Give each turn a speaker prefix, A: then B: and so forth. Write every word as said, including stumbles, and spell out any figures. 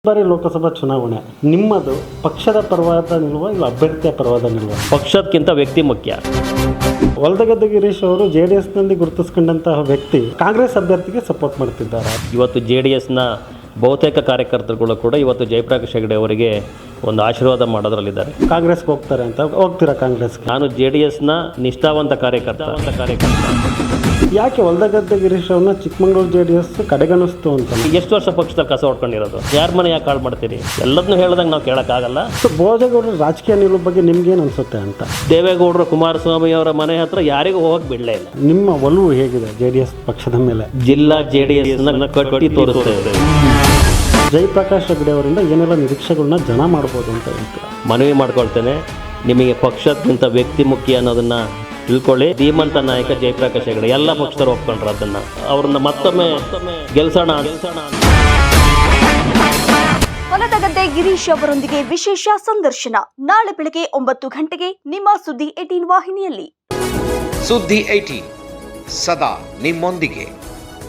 A: ಬಾರಿ ಲೋಕಸಭಾ ಚುನಾವಣೆ ನಿಮ್ಮದು ಪಕ್ಷದ ಪರವಾದ ನಿಲ್ವ ಇಲ್ಲ ಅಭ್ಯರ್ಥಿಯ ಪರವಾದ ನಿಲ್ವ?
B: ಪಕ್ಷಕ್ಕಿಂತ ವ್ಯಕ್ತಿ ಮುಖ್ಯ.
A: ಹೊಲದಗದ್ದೆ ಗಿರೀಶ್ ಅವರು ಜೆ ಡಿ ಎಸ್ನಲ್ಲಿ ಗುರುತಿಸ್ಕೊಂಡಂತಹ ವ್ಯಕ್ತಿ ಕಾಂಗ್ರೆಸ್ ಅಭ್ಯರ್ಥಿಗೆ ಸಪೋರ್ಟ್ ಮಾಡ್ತಿದ್ದಾರೆ.
B: ಇವತ್ತು ಜೆ ಡಿ ಎಸ್ನ ಬಹುತೇಕ ಕಾರ್ಯಕರ್ತರುಗಳು ಕೂಡ ಇವತ್ತು ಜಯಪ್ರಕಾಶ್ ಹೆಗಡೆ ಅವರಿಗೆ ಒಂದು ಆಶೀರ್ವಾದ ಮಾಡೋದ್ರಲ್ಲಿದ್ದಾರೆ.
A: ಕಾಂಗ್ರೆಸ್ಗೆ ಹೋಗ್ತಾರೆ ಅಂತ ಹೋಗ್ತೀರಾ ಕಾಂಗ್ರೆಸ್ಗೆ?
B: ನಾನು ಜೆ ಡಿ ಎಸ್ನ ನಿಷ್ಠಾವಂತ ಕಾರ್ಯಕರ್ತ ಕಾರ್ಯಕರ್ತ
A: ಯಾಕೆ ಹೊಲದಗದ್ದೆ ಗಿರೀಶ್ ಅವ್ರನ್ನ ಚಿಕ್ಕಮಗಳೂರು ಜೆ ಡಿ ಎಸ್ ಕಡೆಗಣಿಸ್ತು ಅಂತ?
B: ಎಷ್ಟು ವರ್ಷ ಪಕ್ಷದಲ್ಲಿ ಕಸ ಹೊಡ್ಕೊಂಡಿರೋದು? ಯಾರ ಮನೆ ಯಾಕೆ ಕಾಳು ಮಾಡ್ತೀರಿ? ಎಲ್ಲದನ್ನೂ ಹೇಳ್ದಂಗೆ ನಾವು ಕೇಳೋಕ್ಕಾಗಲ್ಲ.
A: ಸೊ ಭೋಜೇಗೌಡರ ರಾಜಕೀಯ ನಿಲುವು ಬಗ್ಗೆ ನಿಮ್ಗೇನು ಅನ್ಸುತ್ತೆ ಅಂತ?
B: ದೇವೇಗೌಡರು ಕುಮಾರಸ್ವಾಮಿ ಅವರ ಮನೆ ಹತ್ರ ಯಾರಿಗೂ ಹೋಗಕ್ಕೆ ಬಿಡಲೇ ಇಲ್ಲ.
A: ನಿಮ್ಮ ಒಲವು ಹೇಗಿದೆ ಜೆ ಡಿ ಎಸ್ ಪಕ್ಷದ ಮೇಲೆ?
B: ಜಿಲ್ಲಾ ಜೆ ಡಿ ಎಸ್ನ ಕಟ್ಟಿ ತೋರಿಸ್ತೇವೆ.
A: ಜಯಪ್ರಕಾಶ್ ಹೆಗಡೆ ಅವರಿಂದ ಏನೆಲ್ಲ ನಿರೀಕ್ಷೆಗಳನ್ನ ಜನ ಮಾಡ್ಬೋದು ಅಂತ ಹೇಳ್ತೀರಾ?
B: ಮನವಿ ಮಾಡ್ಕೊಳ್ತೇನೆ, ನಿಮಗೆ ಪಕ್ಷಕ್ಕಿಂತ ವ್ಯಕ್ತಿ ಮುಖ್ಯ ಅನ್ನೋದನ್ನ ತಿಳ್ಕೊಳ್ಳಿ. ಧೀಮಂತ ನಾಯಕ ಜಯಪ್ರಕಾಶ್ ಹೆಗಡೆ ಎಲ್ಲ ಪಕ್ಷದವರು ಒಪ್ಕೊಂಡ್ರು. ಅದನ್ನ ಅವ್ರನ್ನ ಮತ್ತೊಮ್ಮೆ ಗೆಲ್ಸೋಣ ಗೆಲ್ಸೋಣ
C: ಹೊಲದಗದ್ದೆ ಗಿರೀಶ್ ಅವರೊಂದಿಗೆ ವಿಶೇಷ ಸಂದರ್ಶನ ನಾಳೆ ಬೆಳಗ್ಗೆ ಒಂಬತ್ತು ಗಂಟೆಗೆ ನಿಮ್ಮ ಸುದ್ದಿ ಏಟೀನ್ ವಾಹಿನಿಯಲ್ಲಿ.
D: ಸುದ್ದಿ ಏಟೀನ್ ಸದಾ ನಿಮ್ಮೊಂದಿಗೆ.